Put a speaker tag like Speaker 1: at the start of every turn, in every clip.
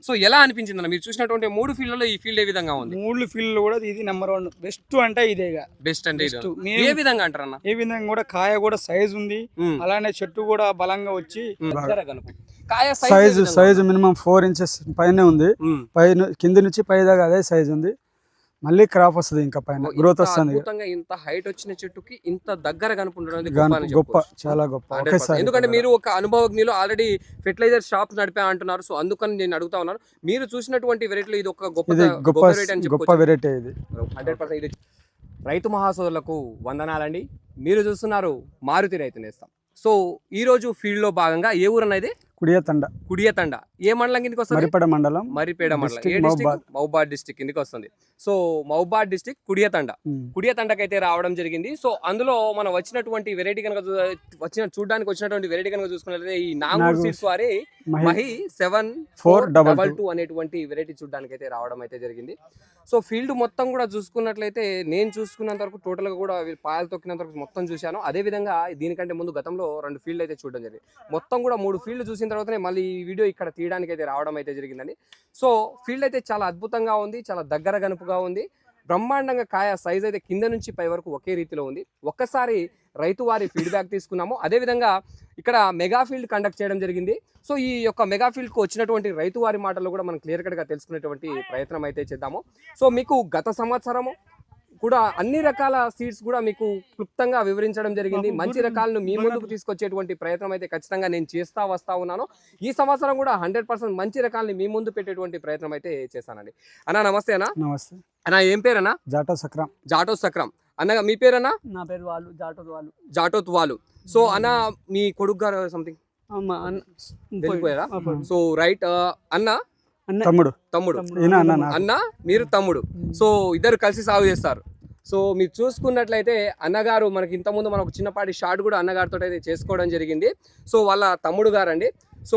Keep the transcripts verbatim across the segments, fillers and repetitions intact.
Speaker 1: So ఎలా అనిపించింది అన్న మీరు చూసినటువంటి మూడు ఫీల్డ్లలో ఈ ఫీల్డ్ ఏ విధంగా ఉంది?
Speaker 2: మూడు ఫీల్డ్ కూడా ఇది నెంబర్ వన్ బెస్ట్ అంటే ఇదేగా
Speaker 1: బెస్ట్ అంటే ఇది.
Speaker 2: Best.
Speaker 1: ఏ
Speaker 2: మేము-
Speaker 1: విధంగా అంటారు అన్న?
Speaker 2: ఏ విధంగా కూడా కాయ కూడా సైజ్ ఉంది,
Speaker 1: ఉమ్.
Speaker 2: అలానే చెట్టు కూడా బలంగా వచ్చి
Speaker 1: దగ్గర కనుక. కాయ size ఏ
Speaker 3: సైజు
Speaker 1: విధంగా
Speaker 3: సైజు మినిమం ఫోర్ ఇంచెస్ పైనే ఉంది.
Speaker 1: ఉమ్.
Speaker 3: పై కింది నుంచి పై దాకా అదే సైజ్ ఉంది. మళ్ళీ క్రాప్ వస్తుంది, ఇంకా పైన
Speaker 1: ఇంత
Speaker 3: గ్రోత్ వస్తుంది.
Speaker 1: అద్భుతంగా ఇంత హైట్ వచ్చిన చెట్టుకి ఇంత దగ్గర కనుకుండడం అనేది
Speaker 3: గాను-
Speaker 1: గొప్ప అని
Speaker 3: గొప్ప
Speaker 1: చెప్పుకోవచ్చు.
Speaker 3: చాలా గొప్ప.
Speaker 1: Hundred percent.
Speaker 3: ఒకేసారి
Speaker 1: ఎందుకంటే మీరు ఒక అనుభవజ్ఞులు, ఆల్రెడీ ఫెర్టిలైజర్ షాప్ నడిపా అంటున్నారు. సో అందుకని నేను అడుగుతా ఉన్నాను, మీరు చూసినటువంటి వెరైటీలో ఇది ఒక గొప్ప
Speaker 3: ఇది
Speaker 1: గొప్ప
Speaker 3: గొప్ప
Speaker 1: వెరైటీ అని
Speaker 3: గొప్ప
Speaker 1: చెప్పుకోవచ్చు.
Speaker 3: వెరైటీ ఇది.
Speaker 1: హండ్రెడ్ పర్సెంట్ ఇది. రైతు మహాసోదరులకు వందనాలండి. మీరు చూస్తున్నారు మారుతి రైతు నేస్తం. సో ఈ రోజు ఫీల్డ్ లో భాగంగా ఏ ఊరు అనేది?
Speaker 3: కుడియతండ,
Speaker 1: కుడియతండ. ఏ మండలం కిందకి వస్తుంది?
Speaker 3: మరిపడ మండలం,
Speaker 1: మరిపేడ మండలం. ఏ
Speaker 3: District
Speaker 1: district?
Speaker 3: Mahabad.
Speaker 1: Mahabad district కిందకి వస్తుంది. సో మహబాద్ డిస్ట్రిక్ట్ కుడియతండ.
Speaker 3: ఉమ్.
Speaker 1: కుడియతండకి అయితే రావడం జరిగింది. సో అందులో మనం వచ్చినటువంటి వెరైటీ కనుక చూ- వచ్చిన చూడడానికి వచ్చినటువంటి వెరైటీ కనుక చూసుకున్నట్లయితే ఈ నాగూర్
Speaker 3: నాగూర్
Speaker 1: సీడ్స్ వారి
Speaker 3: Mahi
Speaker 1: Mahi seven
Speaker 3: Four
Speaker 1: four
Speaker 3: double
Speaker 1: double
Speaker 3: two.
Speaker 1: Two అనేటువంటి వెరైటీ చూడడానికి అయితే రావడం అయితే జరిగింది. సో ఫీల్డ్ మొత్తం కూడా చూసుకున్నట్లయితే నేను చూసుకున్నంత వరకు టోటల్ గా కూడా వీళ్ళు పాయలు తొక్కినంత వరకు మొత్తం చూశాను. అదే విధంగా దీనికంటే ముందు గతంలో రెండు ఫీల్డ్ అయితే చూడడం జరిగింది. మొత్తం కూడా మూడు ఫీల్డ్ చూసిన తర్వాతనే మళ్ళీ ఈ వీడియో ఇక్కడ తీయడానికి అయితే రావడం అయితే జరిగిందండి. సో ఫీల్డ్ అయితే చాలా అద్భుతంగా ఉంది, చాలా దగ్గర గనుపుగా ఉంది. బ్రహ్మాండంగా కాయ సైజ్ అయితే కింద నుంచి పై వరకు ఒకే రీతిలో ఉంది. ఒక్కసారి రైతు వారి ఫీడ్బ్యాక్ తీసుకున్నాము. అదేవిధంగా ఇక్కడ మెగా ఫీల్డ్ కండక్ట్ చేయడం జరిగింది. సో ఈ యొక్క మెగా ఫీల్డ్కు వచ్చినటువంటి రైతు వారి మాటల్లో కూడా మనం క్లియర్ కట్గా తెలుసుకునేటువంటి ప్రయత్నం అయితే చేద్దాము. సో మీకు గత సంవత్సరము కూడా అన్ని రకాల సీడ్స్ కూడా మీకు క్లుప్తంగా వివరించడం జరిగింది. మంచి రకాలను మీ ముందుకు తీసుకొచ్చేటువంటి ప్రయత్నం అయితే ఖచ్చితంగా నేను చేస్తా వస్తా ఉన్నాను. ఈ సంవత్సరం కూడా హండ్రెడ్ పర్సెంట్ మంచి రకాలని మీ ముందు పెట్టేటువంటి ప్రయత్నం అయితే చేశానండి. అన్న నమస్తే అన్న.
Speaker 3: నమస్తే.
Speaker 1: అన్న ఏం పేరన్నా?
Speaker 3: జాటో సక్రం.
Speaker 1: జాటో సక్రం. అన్న మీ పేరన్నా?
Speaker 2: నా పేరు వాళ్ళు జాటో వాళ్ళు
Speaker 1: జాటోత్ వాళ్ళు. సో అన్న మీ కొడుకు గారు సంథింగ్ వెళ్ళిపోయారా? సో రైట్ అన్న
Speaker 3: తమ్ముడు.
Speaker 1: తమ్ముడు.
Speaker 3: ఈయన అన్న నాకు.
Speaker 1: అన్న మీరు తమ్ముడు. సో ఇద్దరు కలిసి సాగు చేస్తారు. సో మీరు చూసుకున్నట్లయితే అన్నగారు మనకి ఇంతకుముందు మనకు చిన్నపాటి షార్ట్ కూడా అన్నగారితో అయితే చేసుకోవడం జరిగింది. సో వాళ్ళ తమ్ముడు గారండి. సో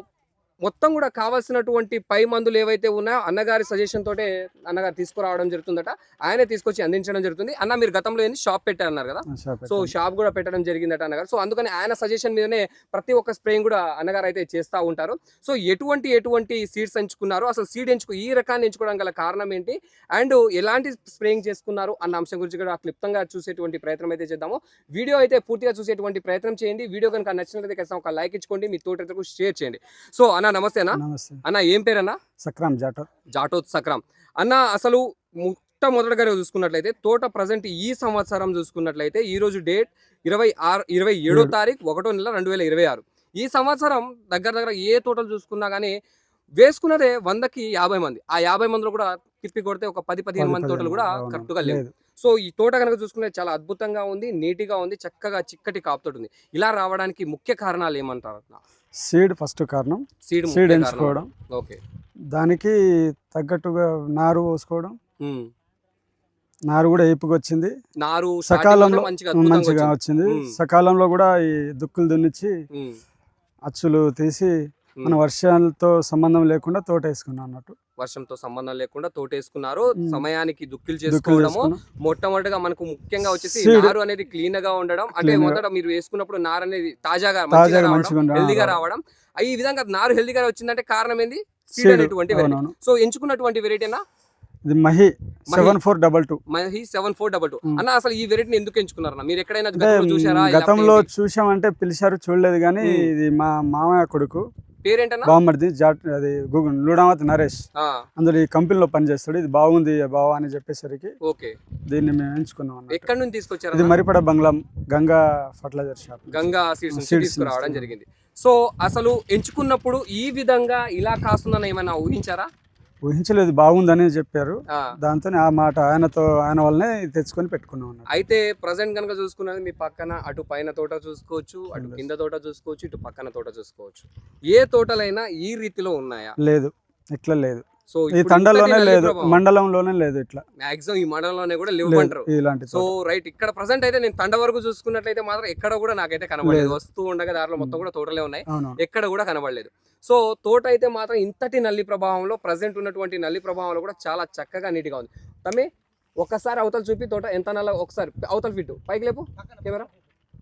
Speaker 1: మొత్తం కూడా కావాల్సినటువంటి పై మందులు ఏవైతే ఉన్నాయో అన్నగారి సజెషన్ తోటే అన్నగారు తీసుకురావడం జరుగుతుందట. ఆయనే తీసుకొచ్చి అందించడం జరుగుతుంది. అన్న మీరు గతంలో ఏంది షాప్ పెట్టారన్నారు కదా,
Speaker 3: షాప్
Speaker 1: సో షాప్ కూడా పెట్టడం జరిగిందట అన్నగారు. సో అందుకని ఆయన సజెషన్ మీదనే ప్రతి ఒక్క స్ప్రేయింగ్ కూడా అన్నగారు అయితే చేస్తూ ఉంటారు. సో ఎటువంటి ఎటువంటి సీడ్స్ ఎంచుకున్నారు, అసలు సీడ్ ఎంచుకు ఈ రకాన్ని ఎంచుకోవడం గల కారణం ఏంటి, అండ్ ఎలాంటి స్ప్రేయింగ్ చేసుకున్నారు అన్న అంశం గురించి కూడా క్లుప్తంగా చూసేటువంటి ప్రయత్నం అయితే చేద్దాము. వీడియో అయితే పూర్తిగా చూసేటువంటి ప్రయత్నం చేయండి. వీడియో కనుక నచ్చినట్లయితే ఖచ్చితంగా ఒక లైక్ ఇచ్చుకోండి, మీ తోటకు షేర్ చేయండి. సో అన్న నమస్తే అన్న.
Speaker 3: నమస్తే.
Speaker 1: అన్న ఏం పేరన్నా?
Speaker 3: సక్రం జాటో.
Speaker 1: జాటోత్ సక్రం. అన్న అసలు మొట్టమొదటిగా చూసుకున్నట్లయితే తోట ప్రజెంట్ ఈ సంవత్సరం చూసుకున్నట్లయితే ఈ రోజు డేట్ ఇరవై ఆరు ఇరవై ఏడో తారీఖు ఒకటో నెల రెండు వేల ఇరవై ఆరు. ఈ సంవత్సరం దగ్గర దగ్గర ఏ తోటలు చూసుకున్నా కానీ వేసుకున్నదే వందకి యాభై మంది. ఆ యాభై మందిలో కూడా తిప్పి కొడితే ఒక పది పదిహేను మంది తోటలు కూడా కరెక్ట్ గా లేవు. సో ఈ తోట కనుక చూసుకుంటే చాలా అద్భుతంగా ఉంది, నీట్గా ఉంది, చక్కగా చిక్కటి కాపుతోటి ఉంది. ఇలా రావడానికి ముఖ్య కారణాలు ఏమంటారు?
Speaker 3: సీడ్ ఫస్ట్ కారణం.
Speaker 1: సీడ్
Speaker 3: సీడ్ ఎంచుకోవడం,
Speaker 1: ఓకే,
Speaker 3: దానికి తగ్గట్టుగా నారు పోసుకోవడం. నారు కూడా ఏపుగా వచ్చింది,
Speaker 1: నారు
Speaker 3: సకాలంలో
Speaker 1: మంచిగా
Speaker 3: మంచిగా వచ్చింది. సకాలంలో కూడా ఈ దుక్కులు దున్నిచ్చి అచ్చులు తీసి మన వర్షాలతో సంబంధం లేకుండా తోట వేసుకున్నాం అన్నట్టు.
Speaker 1: వర్షంతో సంబంధం లేకుండా తోటేసుకున్నారు. సమయానికి దుక్కులు చేసుకోవడము మొట్టమొదటిగా మనకు ముఖ్యంగా వచ్చేసి నారు అనేది క్లీన్ గా ఉండడం. అంటే మొదట మీరు వేసుకున్నప్పుడు నారు అనేది తాజాగా హెల్దీగా రావడం. ఈ విధంగా నారు హెల్దీగా వచ్చిందంటే కారణం ఏంది? సీడ్ అనేటువంటి వెరైటీ. సో ఎంచుకున్నటువంటి వెరైటీనా
Speaker 3: ఇది Mahi seven four double two.
Speaker 1: Mahi seven four double two. అన్న అసలు ఈ వెరైటీని ఎందుకు ఎంచుకున్నారన్న? మీరు ఎక్కడైనా చూసారా?
Speaker 3: గతంలో చూసామంటే పిలిచారు, చూడలేదు. కానీ ఇది మా మామయ్య కొడుకు
Speaker 1: పేరేంటన్నా?
Speaker 3: బామ్మర్ది జాట్, అది గూగుల్ లూడామత్ నరేష్. అందులో ఈ కంపెనీలో పనిచేస్తాడు. ఇది బాగుంది బావా అని చెప్పేసరికి
Speaker 1: ఓకే
Speaker 3: దీన్ని మేము ఎంచుకున్నాం.
Speaker 1: ఎక్కడి నుంచి తీసుకొచ్చారు?
Speaker 3: ఇది Maripeda Bangla Ganga fertiliser shop,
Speaker 1: Ganga seeds తీసుకురావడం జరిగింది. సో అసలు ఎంచుకున్నప్పుడు ఈ విధంగా ఇలా కాస్తుందని ఏమైనా ఊహించారా?
Speaker 3: ఊహించలేదు, బాగుందని చెప్పారు. దాంతో ఆ మాట ఆయనతో ఆయన వల్లనే తెచ్చుకొని పెట్టుకున్నాం.
Speaker 1: అయితే ప్రజెంట్ కనుక చూసుకున్నది మీ పక్కన అటు పైన తోట చూసుకోవచ్చు, అటు కింద తోట చూసుకోవచ్చు, ఇటు పక్కన తోట చూసుకోవచ్చు. ఏ తోటలైనా ఈ రీతిలో ఉన్నాయా?
Speaker 3: లేదు, ఇట్లా లేదు.
Speaker 1: సో
Speaker 3: ఈ తండలోనే లేదు, మండలంలోనే లేదు. ఇట్లా
Speaker 1: మాక్సిమం ఈ మండలంలోనే కూడా లేవంటారు.
Speaker 3: ఇలాంటి
Speaker 1: సో రైట్, ఇక్కడ ప్రజెంట్ అయితే నేను తండ వరకు చూసుకున్నట్లయితే మాత్రం ఎక్కడ కూడా నాకైతే కనబడలేదు. వస్తూ ఉండగా దారిలో మొత్తం కూడా తోటలే ఉన్నాయి, ఎక్కడ కూడా కనబడలేదు. సో తోట అయితే మాత్రం ఇంతటి నల్లి ప్రభావంలో ప్రజెంట్ ఉన్నటువంటి నల్లి ప్రభావంలో కూడా చాలా చక్కగా నీట్గా ఉంది. తమ్మి ఒక్కసారి అవతల చూపి తోట ఎంత నల్ల, ఒకసారి అవతల ఫిట్ పైకి లేపు కెమెరా.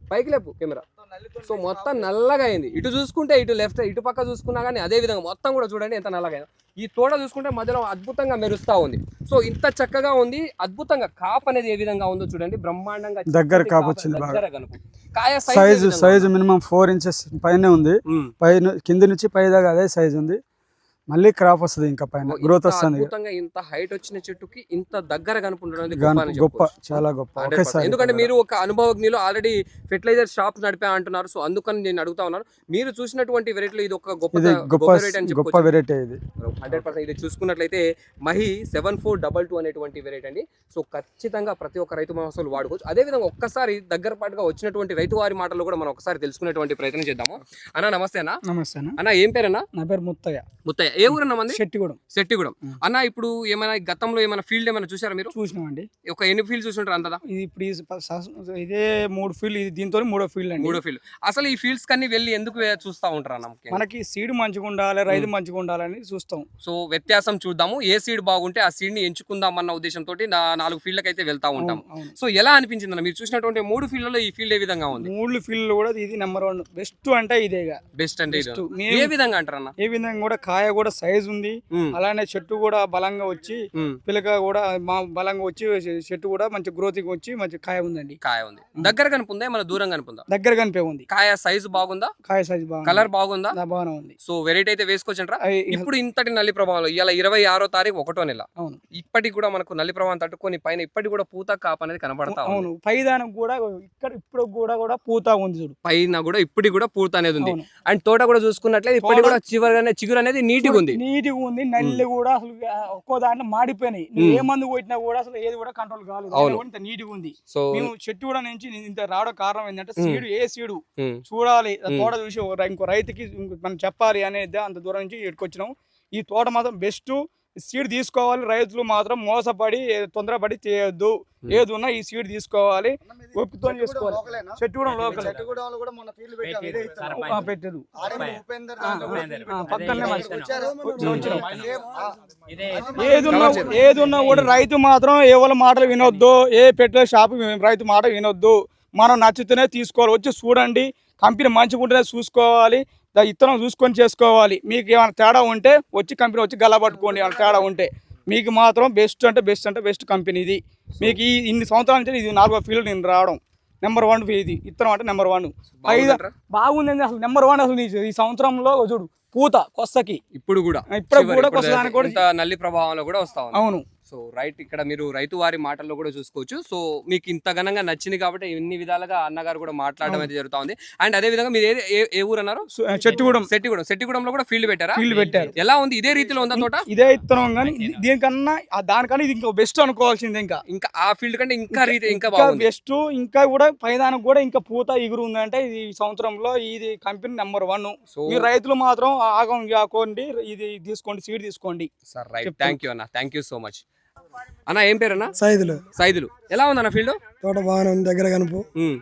Speaker 1: పైకి లేపు కెమెరా. సో మొత్తం నల్లగా అయింది. ఇటు చూసుకుంటే ఇటు లెఫ్ట్ ఇటు పక్క చూసుకున్నా కానీ అదే విధంగా మొత్తం కూడా చూడండి ఎంత నల్లగా అయింది. ఈ తోట చూసుకుంటే మధ్యలో అద్భుతంగా మెరుస్తా ఉంది. సో ఇంత చక్కగా ఉంది, అద్భుతంగా కాప్ అనేది ఏ విధంగా ఉందో చూడండి, బ్రహ్మాండంగా
Speaker 3: దగ్గర కాపు వచ్చింది.
Speaker 1: దగ్గర కనుక కాయ
Speaker 3: size size minimum four inches పైనే ఉంది. పైన కింది నుంచి పై దాకా అదే సైజ్ ఉంది. మళ్ళీ క్రాప్ వస్తుంది, ఇంకా పైన గ్రోత్ వస్తుంది.
Speaker 1: అద్భుతంగా ఇంత హైట్ వచ్చిన చెట్టుకి ఇంత దగ్గర కనుకుంటుంది
Speaker 3: గొప్ప, చాలా గొప్ప.
Speaker 1: ఎందుకంటే మీరు ఒక అనుభవజ్ఞులు, ఆల్రెడీ ఫెర్టిలైజర్ షాప్స్ నడిపా అంటున్నారు. సో అందుకని నేను అడుగుతా ఉన్నాను, మీరు చూసినటువంటి వెరైటీలో ఇది ఒక గొప్ప
Speaker 3: గొప్ప గొప్ప వెరైటీ ఇది.
Speaker 1: హండ్రెడ్ పర్సెంట్ ఇది చూసుకున్నట్లయితే Mahi seven four double two అనేటువంటి వెరైటీ అండి. సో ఖచ్చితంగా ప్రతి ఒక్క రైతు మహోత్సవాలు వాడుకోవచ్చు. అదేవిధంగా ఒక్కసారి దగ్గర పాటుగా వచ్చినటువంటి రైతు వారి మాటలు కూడా మనం ఒకసారి తెలుసుకునేటువంటి ప్రయత్నం చేద్దాము. అన్న నమస్తే అన్న.
Speaker 2: నమస్తే అన్న.
Speaker 1: అన్న ఏం పేరన్నా?
Speaker 2: నా పేరు ముత్తయ్య.
Speaker 1: ముత్తయ్య. ఏ ఊరన్నా మంది?
Speaker 2: శెట్టిగూడెం.
Speaker 1: శెట్టిగూడెం. అన్న ఇప్పుడు ఏమైనా గతంలో ఏమైనా ఫీల్డ్ ఏమైనా చూసారా మీరు?
Speaker 2: చూసినామండి.
Speaker 1: ఒక ఎన్ని ఫీల్డ్ చూసుంటారు అంతదా?
Speaker 2: ఇది ఇప్పుడు ఈ స- ఇదే మూడు ఫీల్డ్, ఇది దీంతో మూడో ఫీల్డ్ అండి.
Speaker 1: మూడో ఫీల్డ్. అసలు ఈ ఫీల్డ్స్ కన్నీ వెళ్ళి ఎందుకు వే- చూస్తా ఉంటారు అన్న? ముఖ్యంగా
Speaker 2: మనకి సీడ్ మంచిగా ఉండాలి, రైతు మంచిగా ఉండాలని చూస్తాం.
Speaker 1: సో వ్యత్యాసం చూద్దాము, ఏ సీడ్ బాగుంటే ఆ సీడ్ ని ఎంచుకుందాం అన్న ఉద్దేశంతో నా నాలుగు ఫీల్డ్కి అయితే వెళ్తా ఉంటాం.
Speaker 2: అవును.
Speaker 1: సో ఎలా అనిపించింది అన్న మీరు చూసినటువంటి మూడు ఫీల్డ్లలో ఈ ఫీల్డ్ ఏ విధంగా ఉంది?
Speaker 2: మూడు ఫీల్డ్ కూడా ఇది నెంబర్ వన్, బెస్ట్ అంటే ఇదేగా
Speaker 1: బెస్ట్ అంటే ఇది.
Speaker 2: Best.
Speaker 1: ఏ విధంగా అంటారు అన్న?
Speaker 2: ఏ విధంగా కూడా కాయ కూడా సైజ్ ఉంది,
Speaker 1: ఉమ్,
Speaker 2: అలానే చెట్టు కూడా బలంగా వచ్చి,
Speaker 1: ఉమ్,
Speaker 2: పిలక కూడా మా బలంగా వచ్చి, చెట్టు కూడా మంచి గ్రోతింగ్ వచ్చి మంచి కాయ ఉందండి.
Speaker 1: కాయ ఉంది. దగ్గర కనుపుందా మన దూరం కనుపుందా?
Speaker 2: దగ్గర కనిపే ఉంది.
Speaker 1: కాయ సైజు బాగుందా?
Speaker 2: కాయ సైజ్ బాగా,
Speaker 1: కలర్ బాగుందా?
Speaker 2: బాగానే ఉంది.
Speaker 1: సో వెరైటీ అయితే వేసుకోవచ్చంటారా?
Speaker 2: అయి-
Speaker 1: ఇప్పుడు ఇంతటి నల్లి ప్రభావం ఇలా ఇరవై ఆరో తారీఖు ఒకటో నెల,
Speaker 2: అవును
Speaker 1: ఇప్పటికి కూడా మనకు నల్లి ప్రభావం తట్టుకొని పైన ఇప్పటికి కూడా పూత కాపు అనేది కనబడతా ఉంది.
Speaker 2: అవును. పైదానికి కూడా ఇక్కడ ఇప్పుడు కూడా కూడా పూత ఉంది చూడు,
Speaker 1: పైన కూడా ఇప్పటికి కూడా పూత అనేది ఉంది.
Speaker 2: అవును.
Speaker 1: అండ్ తోట కూడా చూసుకున్నట్లయితే ఇప్పటికి కూడా చివరి చిగురు అనేది నీట్గా ఉంది.
Speaker 2: నీట్గా ఉంది. నల్లి కూడా అసలు ఒక్కో దాంట్లో మాడిపోయినాయి. నువ్వు ఏ మందు కొట్టినా కూడా అసలు ఏది కూడా కంట్రోల్ కాలేదు.
Speaker 1: అవును.
Speaker 2: ఇంత నీట్గా ఉంది.
Speaker 1: సో
Speaker 2: మేము చెట్టు కూడా నుంచి ఇంత రావడం కారణం ఏంటంటే
Speaker 1: ఉమ్.
Speaker 2: సీడు, ఏ సీడు
Speaker 1: ఉమ్,
Speaker 2: చూడాలి, ఆ
Speaker 1: ఉమ్.
Speaker 2: తోట చూసి ఓ రై- ఇంకో రైతుకి ఇంకో మనం చెప్పాలి అనేది అంత దూరం నుంచి ఎట్టుకొచ్చినాం. ఈ తోట మాత్రం బెస్ట్. సీడ్ తీసుకోవాలి, రైతులు మాత్రం మోసపడి ఏ- తొందరపడి చేయొద్దు. ఏది ఉన్నా ఈ సీడ్ తీసుకోవాలి, ఒప్పుతో చేసుకోవాలి. చెట్టు కూడా లోకల్ ఆ, పెట్టారు. ఆ, పక్కనే మంచి- ఏదున్నా ఏదున్నా కూడా రైతు మాత్రం ఎవరి మాటలు వినొద్దు, ఏ పెట్టే షాపు రైతు మాట వినొద్దు. మనం నచ్చితేనే తీసుకోవాలి. వచ్చి చూడండి, కంపెనీ మంచిగా ఉంటేనే చూసుకోవాలి, దా ఇత్తనం చూసుకొని చేసుకోవాలి. మీకు ఏమైనా తేడా ఉంటే వచ్చి కంపెనీ వచ్చి గల్లా పట్టుకోండి. ఏమైనా తేడా ఉంటే మీకు మాత్రం బెస్ట్ అంటే బెస్ట్ అంటే బెస్ట్ కంపెనీ ఇది. మీకు ఈ ఇన్ని సంవత్సరాల నుంచి ఇది నాలుగో ఫీల్డ్ నేను రావడం, నెంబర్ వన్ ఇది ఇత్తనం అంటే నెంబర్ వన్. ఐదు బాగుంది అసలు, నెంబర్ వన్ అసలు ఈ- ఈ సంవత్సరంలో చూడు పూత కొస్తకి
Speaker 1: ఇప్పుడు కూడా
Speaker 2: ఇప్పుడు
Speaker 1: చివరి-
Speaker 2: కూడా
Speaker 1: ఇప్పుడు
Speaker 2: కొస్తదానికి కూడా
Speaker 1: ఇంత నల్లి ప్రభావంలో కూడా వస్తా ఉంది.
Speaker 2: అవును.
Speaker 1: సో రైట్, ఇక్కడ మీరు రైతు వారి మాటల్లో కూడా చూసుకోవచ్చు. సో మీకు ఇంత ఘనంగా నచ్చింది కాబట్టి ఇన్ని విధాలుగా అన్నగారు కూడా మాట్లాడడం అయితే జరుగుతా ఉంది. అండ్ అదే విధంగా మీరు ఏ- ఏ- ఏ ఊరు అన్నారు?
Speaker 2: చెట్టుగూడెం
Speaker 1: సెట్టిగూడెం. సెట్టిగూడెంలో కూడా ఫీల్డ్ పెట్టారా?
Speaker 2: ఫీల్డ్ పెట్టారు.
Speaker 1: ఎలా ఉంది? ఇదే రీతిలో ఉందా తోట?
Speaker 2: ఇదే ఇత్తనం కానీ దీనికన్నా ఆ దానికన్నా ఇది ఇంకా బెస్ట్ అనుకోవాల్సింది. ఇంకా
Speaker 1: ఇంకా ఆ ఫీల్డ్ కంటే ఇంకా రీతి ఇంకా
Speaker 2: ఇంకా
Speaker 1: బాగుంది.
Speaker 2: బెస్ట్. ఇంకా కూడా పైదానికి కూడా ఇంకా పూత ఎగురు ఉందంటే ఇది ఈ సంవత్సరంలో ఇది కంపెనీ నెంబర్ వన్.
Speaker 1: సో
Speaker 2: మీరు రైతులు మాత్రం ఆగం కాకోండి, ఇది తీసుకోండి, సీడ్ తీసుకోండి.
Speaker 1: సార్ రైట్, థ్యాంక్ యూ అన్న, థ్యాంక్ యూ సో మచ్ అన్న. ఏం పేరు అన్న?
Speaker 4: సైదులు.
Speaker 1: సైదులు. ఎలా ఉంది అన్న ఫీల్డ్?
Speaker 4: తోట బాగానే ఉంది, దగ్గర కనుపు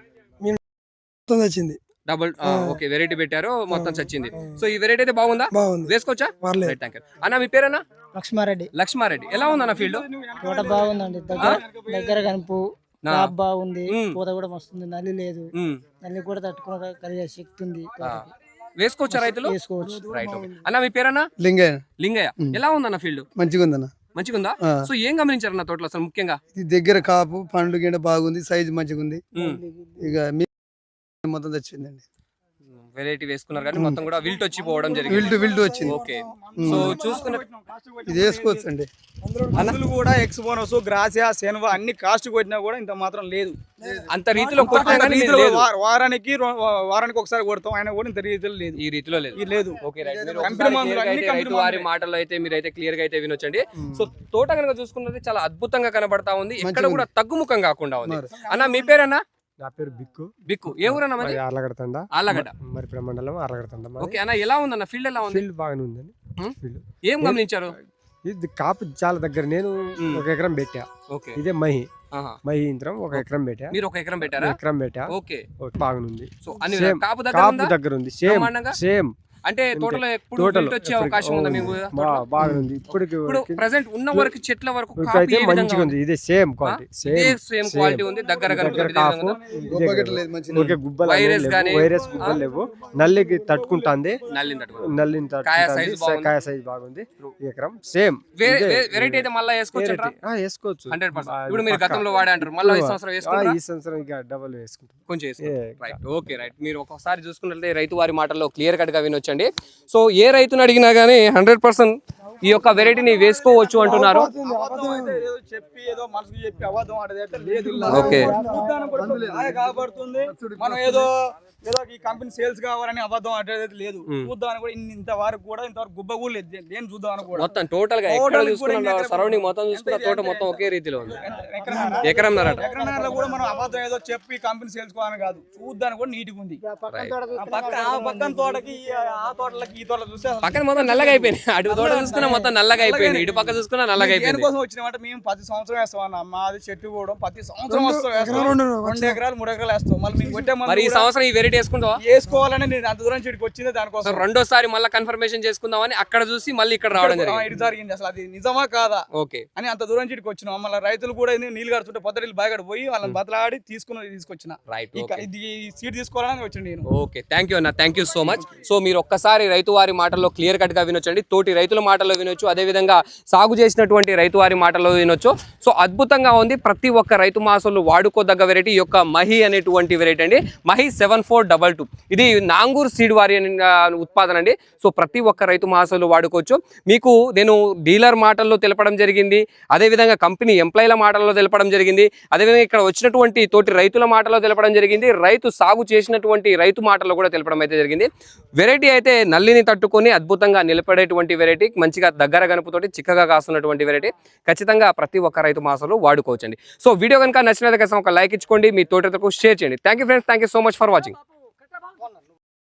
Speaker 4: మొత్తం వచ్చింది.
Speaker 1: డబుల్ ఓకే వెరైటీ పెట్టారు, మొత్తం చచ్చింది. సో ఈ వెరైటీ అయితే బాగుందా?
Speaker 4: బాగుంది,
Speaker 1: వేసుకోవచ్చా?
Speaker 4: పర్లేదు.
Speaker 1: థ్యాంక్ యూ అన్న. మీ పేరన్నా?
Speaker 5: లక్ష్మారెడ్డి.
Speaker 1: లక్ష్మారెడ్డి. ఎలా ఉంది అన్న ఫీల్డ్?
Speaker 5: తోట బాగుందండి, దగ్గర దగ్గర కనుపు,
Speaker 1: నా.
Speaker 5: క్రాప్ బాగుంది,
Speaker 1: మ్మ్.
Speaker 5: పూత కూడా వస్తుంది, నల్లి లేదు,
Speaker 1: ఉమ్,
Speaker 5: నల్లి కూడా తట్టుకునే కలిగే శక్తి ఉంది
Speaker 1: ఆ.
Speaker 5: తోటకి.
Speaker 1: వేసుకోవచ్చా రైతులు?
Speaker 5: వేసుకోవచ్చు.
Speaker 1: రైట్ ఓకే అన్న. మీ పేరన్నా?
Speaker 4: లింగయ్య.
Speaker 1: లింగయ్య.
Speaker 4: ఉమ్.
Speaker 1: ఎలా ఉందన్న ఫీల్డ్?
Speaker 4: మంచిగా ఉందన్న.
Speaker 1: మంచిగా ఉందా?
Speaker 4: ఆ.
Speaker 1: సో ఏం గమనించారన్న తోటలో అసలు ముఖ్యంగా?
Speaker 4: ఇది దగ్గర కాపు, పండ్లు గిండ బాగుంది, సైజు మంచిగా ఉంది.
Speaker 1: ఉమ్.
Speaker 4: ఇక మీ మొత్తం తెచ్చిందండి.
Speaker 1: వెరైటీ వేసుకున్నారు కానీ మొత్తం కూడా విల్ట్ వచ్చి పోవడం జరిగింది.
Speaker 4: విల్టు విల్టు వచ్చింది.
Speaker 1: ఓకే.
Speaker 4: ఉమ్.
Speaker 1: సో చూసుకున్న
Speaker 4: ఇది వేసుకోవచ్చు అండి.
Speaker 2: మందులు కూడా ఎక్స్బోనస్, గ్రాసియా, సెన్వా అన్ని కాస్ట్ కొట్టినా కూడా ఇంత మాత్రం లేదు.
Speaker 1: అంత రీతిలో కొట్టినా
Speaker 2: అంత
Speaker 1: కానీ
Speaker 2: రీతిలో
Speaker 1: లేదు.
Speaker 2: వా- వారానికి రో- వారానికి ఒకసారి కొడతాం, ఆయన కూడా ఇంత రీతిలో లేదు.
Speaker 1: ఈ రీతిలో లేదు.
Speaker 2: ఇది లేదు.
Speaker 1: Okay right. మీరు
Speaker 2: కంపెనీ
Speaker 1: ఒకసారి
Speaker 2: మందులు,
Speaker 1: clear గా
Speaker 2: అన్ని
Speaker 1: అయితే
Speaker 2: కంపెనీ
Speaker 1: రైతు వారి
Speaker 2: మందులే.
Speaker 1: మాటల్లో అయితే మీరైతే క్లియర్ గా అయితే వినొచ్చండి.
Speaker 4: ఉమ్.
Speaker 1: సో తోట కనుక చూసుకున్నది చాలా అద్భుతంగా కనబడతా ఉంది. ఇక్కడ
Speaker 4: మంచిగా
Speaker 1: కూడా తగ్గుముఖం కాకుండా ఉంది.
Speaker 4: మరి.
Speaker 1: అన్న మీ పేరన్నా?
Speaker 6: నా పేరు బిక్కు.
Speaker 1: బిక్కు. ఏ ఊరన్నా మరి?
Speaker 6: ఆర్లగడతండ.
Speaker 1: ఆళ్ళగడ్డ.
Speaker 6: మరి మండలం ఆర్లగడతండ.
Speaker 1: ఓకే అన్న, ఎలా ఉందన్న ఫీల్డ్? ఎలా ఉంది?
Speaker 6: ఫీల్డ్ బాగానే ఉందండి.
Speaker 1: ఉమ్.
Speaker 6: ఫీల్డ్
Speaker 1: ఏం గమనించారు?
Speaker 6: ఇది కాపు చాలా దగ్గర. నేను
Speaker 1: ఉమ్.
Speaker 6: ఒక ఎకరం పెట్టా.
Speaker 1: ఓకే.
Speaker 6: ఇదే మహి
Speaker 1: ఆహా.
Speaker 6: మహి యంత్రం ఒక ఎకరం పెట్టా.
Speaker 1: మీరు ఒక ఎకరం పెట్టారా?
Speaker 6: ఎకరం పెట్టా.
Speaker 1: ఓకే.
Speaker 6: ఓకే, బాగానే ఉంది.
Speaker 1: సో అన్ని
Speaker 6: Same.
Speaker 1: కాపు దగ్గర
Speaker 6: కాపు
Speaker 1: ఉందా?
Speaker 6: దగ్గర ఉంది. సేమ్
Speaker 1: బ్రహ్మాండంగా?
Speaker 6: సేమ్
Speaker 1: అంటే టోటల్ ఎప్పుడు
Speaker 6: Total
Speaker 1: wilt వచ్చే అవకాశం ఉందా మీకు
Speaker 6: బా- బాగుంది ఇప్పటికి
Speaker 1: ఇప్పుడు ప్రెసెంట్ ఉన్న వరకు చెట్ల వరకు
Speaker 6: వరకు
Speaker 1: కాపు
Speaker 6: అయితే
Speaker 1: ఏ విధంగా
Speaker 6: మంచిగా ఉంది
Speaker 1: ఉంది?
Speaker 6: ఇది సేమ్
Speaker 1: ఆ?
Speaker 6: క్వాలిటీ
Speaker 1: ఇదే
Speaker 6: సేమ్
Speaker 1: సేమ్ క్వాలిటీ ఉంది దగ్గర కనుక
Speaker 6: కాపు ఊరికే గుబ్బలు అనేవి
Speaker 1: వైరస్
Speaker 6: లేవు,
Speaker 1: గానీ,
Speaker 6: వైరస్ గుబ్బలు లేవు, నల్లికి తట్టుకుంటుంది,
Speaker 1: నల్లిని తట్టుకో
Speaker 6: నల్లిని
Speaker 1: కాయ
Speaker 6: తట్టుకుంటుంది,
Speaker 1: size బాగుంది.
Speaker 6: కాయ సైజ్ బాగుంది. ఈ ఎకరం సేమ్
Speaker 1: వెరైటీ అయితే మళ్ళీ వేసుకోవచ్చు
Speaker 6: వేసుకోవచ్చు
Speaker 1: హండ్రెడ్ పర్సెంట్
Speaker 6: ఆ,
Speaker 1: ఇప్పుడు మీరు
Speaker 6: పక్కా.
Speaker 1: గతంలో వాడే అంటారు మళ్ళీ ఈ సంవత్సరం
Speaker 6: ఆ,
Speaker 1: వేసుకుంటారా
Speaker 6: ఈ సంవత్సరం ఇక డబల్ వేసుకుంటాం.
Speaker 1: కొంచెం
Speaker 6: ఏ,
Speaker 1: రైట్ ఓకే రైట్ మీరు ఒకసారి చూసుకున్నట్లయితే రైతు వారి మాటల్లో క్లియర్ కట్ గా వినొచ్చండి. సో ఏ రైతుని అడిగినా గానీ హండ్రెడ్ పర్సెంట్ ఈ యొక్క వెరైటీని వేసుకోవచ్చు అంటున్నారు.
Speaker 2: అబద్ధం అయితే ఏదో చెప్పి ఏదో మనసుకు చెప్పి అబద్ధం ఆడేది అయితే లేదు ఇలా.
Speaker 1: ఓకే.
Speaker 2: చూడ్డానికి కూడా ఇప్పుడు కాయ కాబడుతుంది. మనం ఏదో ఏదో ఈ కంపెనీ సేల్స్ కావాలని అబద్ధం ఆడేది అయితే లేదు. చూద్దామని కూడా ఇన్ని ఇంత వరకు కూడా ఇంతవరకు గుబ్బ కూడా లేదు దేని చూద్దామని కూడా
Speaker 1: మొత్తం టోటల్ గా ఎక్కడ
Speaker 2: Total కూడా
Speaker 1: చూసుకున్నా
Speaker 2: ఇంకా ఎక్కడ
Speaker 1: సరౌండింగ్ మొత్తం చూసుకున్న
Speaker 2: ఎంత
Speaker 1: తోట
Speaker 2: అంటే
Speaker 1: మొత్తం ఒకే రీతిలో ఉంది.
Speaker 2: ఎకరం
Speaker 1: ఎకరం నరట
Speaker 2: ఎకరన్నరలో కూడా మనం అబద్ధం ఏదో చెప్పి కంపెనీ సేల్స్ కావాలని కాదు చూద్దానికి కూడా నీట్గా ఉంది. ఆ పక్క ఆ పక్కన తోటకి ఈ- ఆ తోటలకి ఈ తోటలు చూస్తే అసలు
Speaker 1: పక్కన మొత్తం నల్లగా అయిపోయింది. అటు తోట చూసుకున్నా మొత్తం నల్లగా అయిపోయింది, ఇటు పక్క చూసుకున్నా నల్లగా అయిపోయింది.
Speaker 2: దేనికోసం వచ్చినామంటే మేము ప్రతి సంవత్సరం వేస్తాం అన్న మాది చెట్టు కూడా ప్రతి సంవత్సరం వస్తాం వేస్తాం. రెండు ఎకరాలు మూడు ఎకరాలు వేస్తాం మళ్ళీ మేము కొట్టే
Speaker 1: మరి ఈ సంవత్సరం ఈ వెరైటీ వేసుకుంటావా?
Speaker 2: వేసుకోవాలని నేను అంత దూరం చెట్టుకి వచ్చింది దానికోసం
Speaker 1: రెండోసారి మళ్ళీ కన్ఫర్మేషన్ చేసుకుందామని అక్కడ చూసి మళ్ళీ ఇక్కడ రావడం
Speaker 2: ఆ,
Speaker 1: జరిగింది.
Speaker 2: ఇటు జరిగింది అసలు అది నిజమా కాదా
Speaker 1: ఓకే
Speaker 2: అని అంత దూరం చెట్టుకి వచ్చినాం. మళ్ళీ రైతులు కూడా ఏంది నీళ్ళు కడుతుంటే పొద్దు నీళ్ళు బాగా పోయి వాళ్ళని బతలాడి తీసుకుని తీసుకొచ్చిన
Speaker 1: రైట్
Speaker 2: ఇక ఇది సీట్ తీసుకోవాలని వచ్చింది నేను.
Speaker 1: ఓకే థ్యాంక్ యూ అన్న, thank you so much. So మీరు ఒక్కసారి రైతు వారి మాటల్లో క్లియర్ కట్ గా వినొచ్చండి, తోటి రైతుల మాటల్లో వినొచ్చు, అదే విధంగా సాగు చేసినటువంటి రైతు వారి మాటల్లో వినొచ్చు. సో అద్భుతంగా ఉంది, ప్రతి ఒక్క రైతు మాసంలో వాడుకోదగ్గ వెరైటీ యొక్క మహి అనేటువంటి వెరైటీ అండి. Mahi seven four double two ఇది నాంగూర్ సీడ్ వారి ఆ, ఉత్పాదన అండి. సో ప్రతి ఒక్క రైతు మాసంలో వాడుకోవచ్చు. మీకు నేను డీలర్ మాటల్లో తెలపడం జరిగింది, అదేవిధంగా కంపెనీ ఎంప్లాయీల మాటల్లో తెలపడం జరిగింది, అదేవిధంగా ఇక్కడ వచ్చినటువంటి తోటి రైతుల మాటల్లో తెలపడం జరిగింది, రైతు సాగు చేసినటువంటి రైతు మాటల్లో కూడా తెలపడం అయితే జరిగింది. వెరైటీ అయితే నల్లిని తట్టుకొని అద్భుతంగా నిలబడేటువంటి వెరైటీ, మంచిగా దగ్గర గనుపుతోటి చిక్కగా కాస్తున్నటువంటి వెరైటీ. ఖచ్చితంగా ప్రతి ఒక్క రైతు మాసంలో వాడుకోవచ్చండి. సో వీడియో కనుక నచ్చినట్లయితే ఒక లైక్ ఇచ్చుకోండి, మీ తోటకు షేర్ చేయండి. Thank you friends, thank you so much for watching.